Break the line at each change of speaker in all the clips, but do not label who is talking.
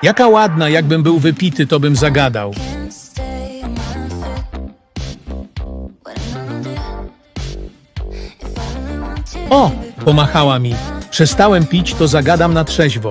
Jaka ładna, jakbym był wypity, to bym zagadał. O, pomachała mi. Przestałem pić, to zagadam na trzeźwo.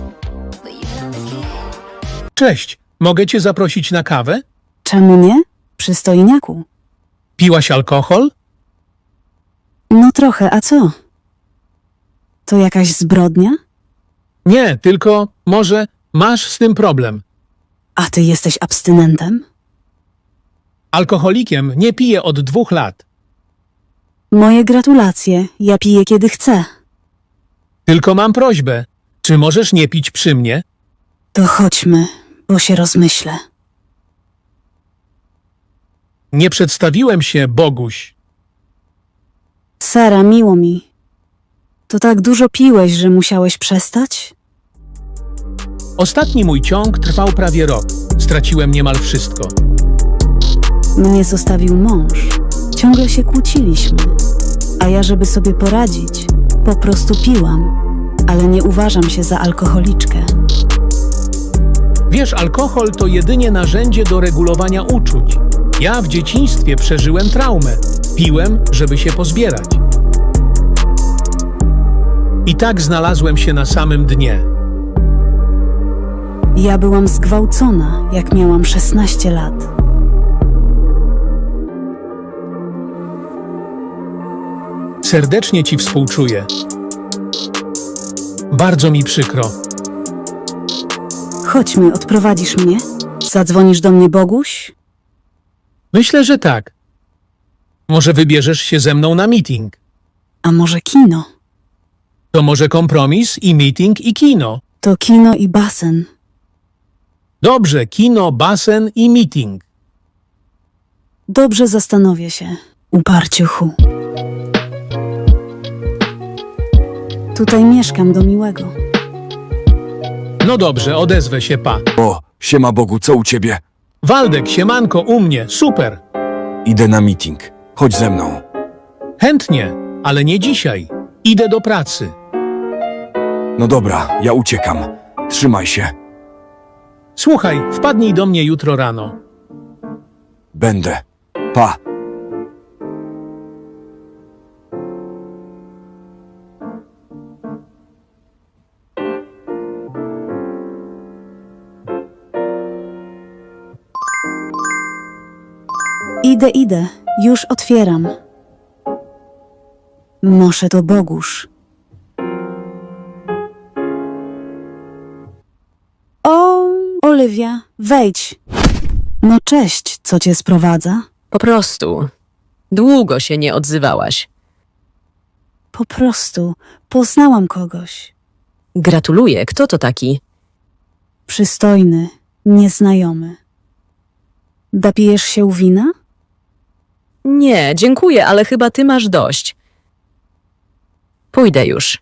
Cześć, mogę cię zaprosić na kawę?
Czemu nie? Przystojniaku.
Piłaś alkohol?
No trochę, a co? To jakaś zbrodnia?
Nie, tylko może masz z tym problem.
A ty jesteś abstynentem?
Alkoholikiem nie piję od 2 lat.
Moje gratulacje, ja piję kiedy chcę.
Tylko mam prośbę. Czy możesz nie pić przy mnie?
To chodźmy, bo się rozmyślę.
Nie przedstawiłem się, Boguś.
Sara, miło mi. To tak dużo piłeś, że musiałeś przestać?
Ostatni mój ciąg trwał prawie rok. Straciłem niemal wszystko.
Mnie zostawił mąż. Ciągle się kłóciliśmy. A ja, żeby sobie poradzić, po prostu piłam. Ale nie uważam się za alkoholiczkę.
Wiesz, alkohol to jedynie narzędzie do regulowania uczuć. Ja w dzieciństwie przeżyłem traumę. Piłem, żeby się pozbierać. I tak znalazłem się na samym dnie.
Ja byłam zgwałcona, jak miałam 16 lat.
Serdecznie ci współczuję. Bardzo mi przykro.
Chodźmy, odprowadzisz mnie? Zadzwonisz do mnie, Boguś?
Myślę, że tak. Może wybierzesz się ze mną na meeting.
A może kino?
To może kompromis i meeting i kino.
To kino i basen.
Dobrze, kino, basen i meeting.
Dobrze, zastanowię się. Uparciuchu. Tutaj mieszkam do miłego.
No dobrze, odezwę się, pa.
O, siema Bogu, co u ciebie?
Waldek, siemanko, u mnie, super.
Idę na meeting. Chodź ze mną.
Chętnie, ale nie dzisiaj. Idę do pracy.
No dobra, ja uciekam. Trzymaj się.
Słuchaj, wpadnij do mnie jutro rano.
Będę. Pa.
Idę. Już otwieram. Może to Bogusz. O, Oliwia, wejdź. No cześć, co cię sprowadza?
Po prostu. Długo się nie odzywałaś.
Po prostu poznałam kogoś.
Gratuluję. Kto to taki?
Przystojny, nieznajomy. Napijesz się wina?
Nie, dziękuję, ale chyba ty masz dość. Pójdę już.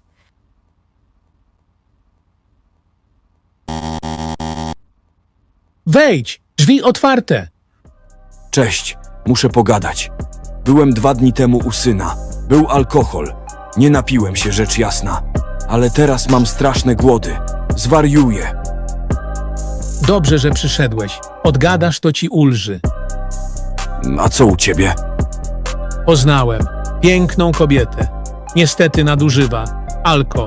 Wejdź, drzwi otwarte.
Cześć, muszę pogadać. Byłem 2 dni temu u syna. Był alkohol. Nie napiłem się, rzecz jasna. Ale teraz mam straszne głody. Zwariuję.
Dobrze, że przyszedłeś. Odgadasz, to ci ulży.
A co u ciebie?
Poznałem piękną kobietę. Niestety nadużywa. Alko.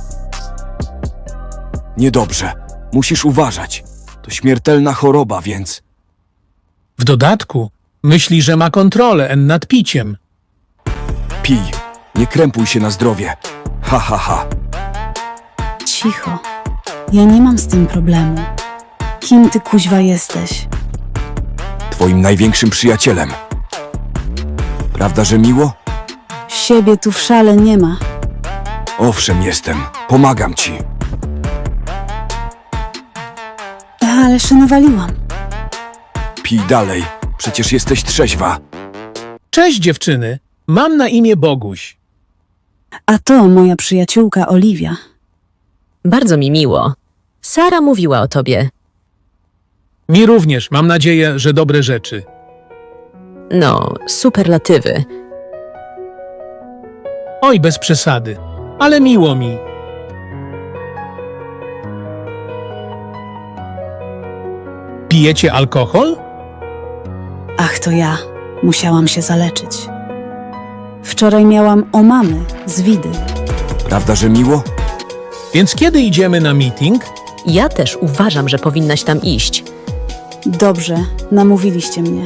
Niedobrze. Musisz uważać. To śmiertelna choroba, więc...
W dodatku myśli, że ma kontrolę nad piciem.
Pij. Nie krępuj się na zdrowie. Ha, ha, ha.
Cicho. Ja nie mam z tym problemu. Kim ty kuźwa jesteś?
Twoim największym przyjacielem. Prawda, że miło?
Siebie tu w szale nie ma.
Owszem, jestem. Pomagam ci.
Ale się nawaliłam.
Pij dalej. Przecież jesteś trzeźwa.
Cześć dziewczyny, mam na imię Boguś.
A to moja przyjaciółka Oliwia.
Bardzo mi miło. Sara mówiła o tobie.
Mi również, mam nadzieję, że dobre rzeczy.
No, superlatywy.
Oj, bez przesady, ale miło mi. Pijecie alkohol?
Ach, to ja. Musiałam się zaleczyć. Wczoraj miałam omamy z widy.
Prawda, że miło?
Więc kiedy idziemy na meeting?
Ja też uważam, że powinnaś tam iść.
Dobrze, namówiliście mnie.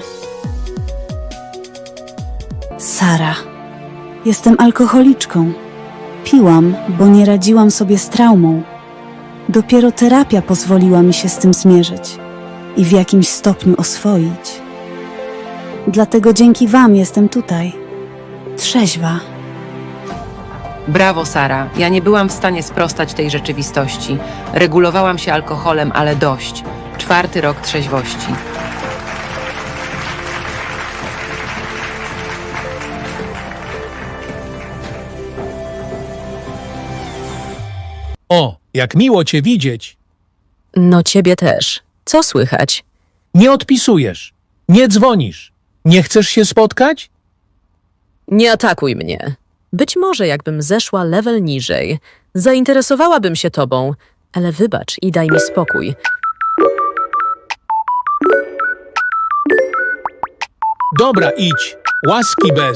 Sara, jestem alkoholiczką. Piłam, bo nie radziłam sobie z traumą. Dopiero terapia pozwoliła mi się z tym zmierzyć i w jakimś stopniu oswoić. Dlatego dzięki wam jestem tutaj. Trzeźwa.
Brawo, Sara. Ja nie byłam w stanie sprostać tej rzeczywistości. Regulowałam się alkoholem, ale dość. 4. rok trzeźwości.
O, jak miło cię widzieć.
No ciebie też. Co słychać?
Nie odpisujesz. Nie dzwonisz. Nie chcesz się spotkać?
Nie atakuj mnie. Być może jakbym zeszła level niżej, zainteresowałabym się tobą, ale wybacz i daj mi spokój.
Dobra, idź. Łaski bez.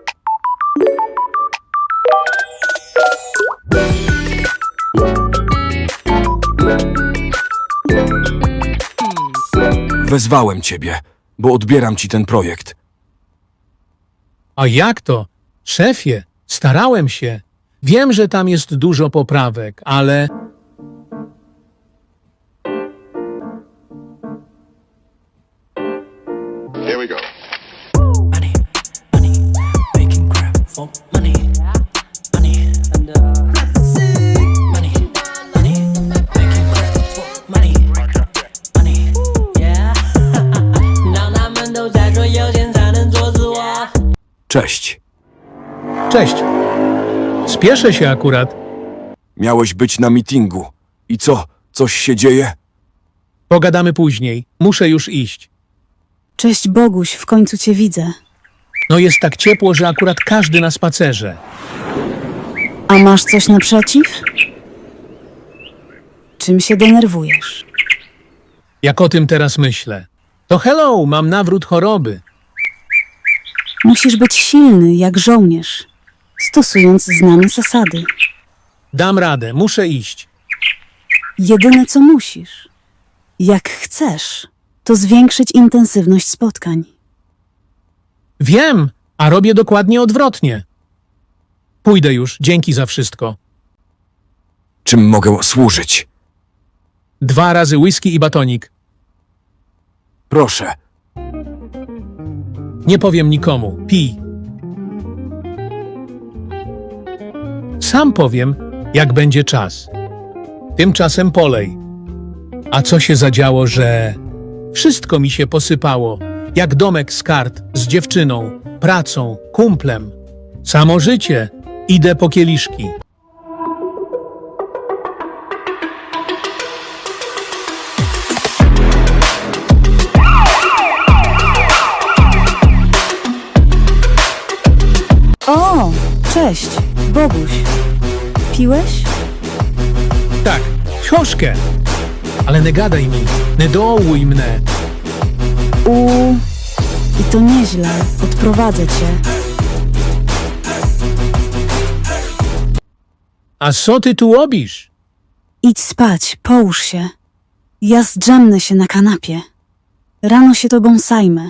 Wezwałem ciebie, bo odbieram ci ten projekt.
A jak to? Szefie, starałem się. Wiem, że tam jest dużo poprawek, ale...
Here we go.
Money, money, making crap for money, money, and money, money, making crap for money, money, yeah. 让他们都在说有钱才能做自我。
Cześć.
Cześć. Spieszę się akurat.
Miałeś być na meetingu. I co? Coś się dzieje?
Pogadamy później. Muszę już iść.
Cześć Boguś, w końcu cię widzę.
No jest tak ciepło, że akurat każdy na spacerze.
A masz coś naprzeciw? Czym się denerwujesz?
Jak o tym teraz myślę. To hello, mam nawrót choroby.
Musisz być silny jak żołnierz, stosując znane zasady.
Dam radę, muszę iść.
Jedyne co musisz, jak chcesz, to zwiększyć intensywność spotkań.
Wiem, a robię dokładnie odwrotnie. Pójdę już, dzięki za wszystko.
Czym mogę służyć?
2 razy whisky i batonik.
Proszę.
Nie powiem nikomu. Pij. Sam powiem, jak będzie czas. Tymczasem polej. A co się zadziało, że... Wszystko mi się posypało. Jak domek z kart, z dziewczyną, pracą, kumplem. Samo życie. Idę po kieliszki.
O, cześć, Boguś. Piłeś?
Tak, troszkę. Ale nie gadaj mi, nie dołuj mnie.
I to nieźle, odprowadzę cię.
A co ty tu robisz?
Idź spać, połóż się. Ja zdrzemnę się na kanapie. Rano się tobą zajmę.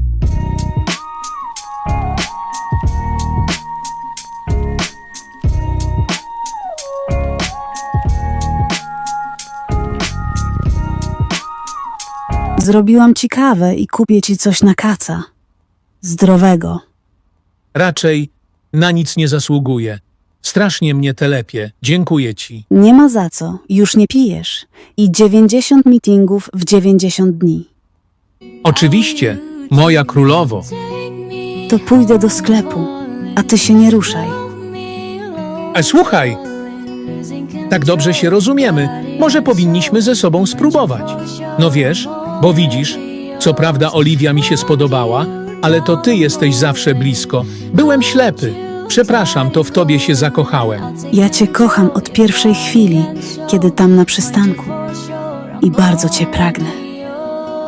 Zrobiłam ci kawę i kupię ci coś na kaca. Zdrowego.
Raczej na nic nie zasługuję. Strasznie mnie telepie. Dziękuję ci.
Nie ma za co, już nie pijesz. I 90 meetingów w 90 dni.
Oczywiście, moja królowo.
To pójdę do sklepu, a ty się nie ruszaj.
Słuchaj, tak dobrze się rozumiemy. Może powinniśmy ze sobą spróbować. No wiesz, bo widzisz, co prawda Oliwia mi się spodobała, ale to ty jesteś zawsze blisko. Byłem ślepy. Przepraszam, to w tobie się zakochałem.
Ja cię kocham od pierwszej chwili, kiedy tam na przystanku. I bardzo cię pragnę.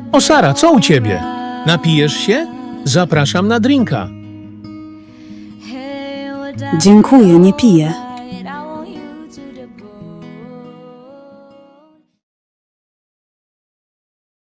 O Sara, co u ciebie? Napijesz się? Zapraszam na drinka.
Dziękuję, nie piję.